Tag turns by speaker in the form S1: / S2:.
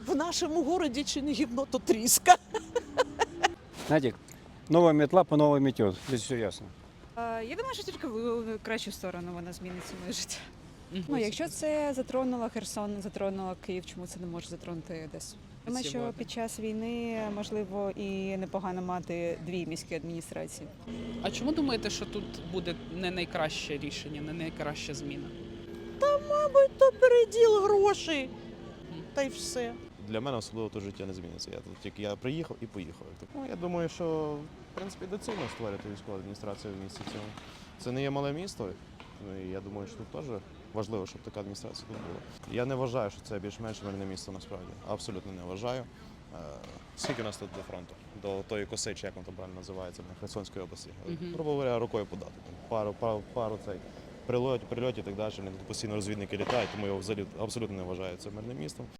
S1: В нашому городі чи не гівно, то тріска.
S2: Знаете, новая метла по новой метет. Здесь все ясно.
S3: Я думаю, що тільки в кращу сторону вона зміниться моє життя. Ну, якщо це затронуло Херсон, затронуло Київ, чому це не може затронути Одесу? Думаю, що під час війни можливо і непогано мати дві міські адміністрації.
S4: А чому думаєте, що тут буде не найкраще рішення, не найкраща зміна?
S1: Мабуть, то переділ грошей. Та й все.
S5: Для мене особливо то життя не зміниться. Я приїхав і поїхав. Ну, я думаю, що в принципі доцільно створити військову адміністрацію в місті цьому. Це не є мале місто. Ну, і я думаю, що тут теж важливо, щоб така адміністрація тут була. Я не вважаю, що це більш-менш мирне місто насправді. Абсолютно не вважаю. Скільки у нас тут до фронту? До тої коси, чи як воно там правильно називається, на Херсонської області. Грубо говоря, рукою подати. Пару цей прильотів і так далі. Постійно розвідники літають, тому я взагалі абсолютно не вважаю це мирним містом.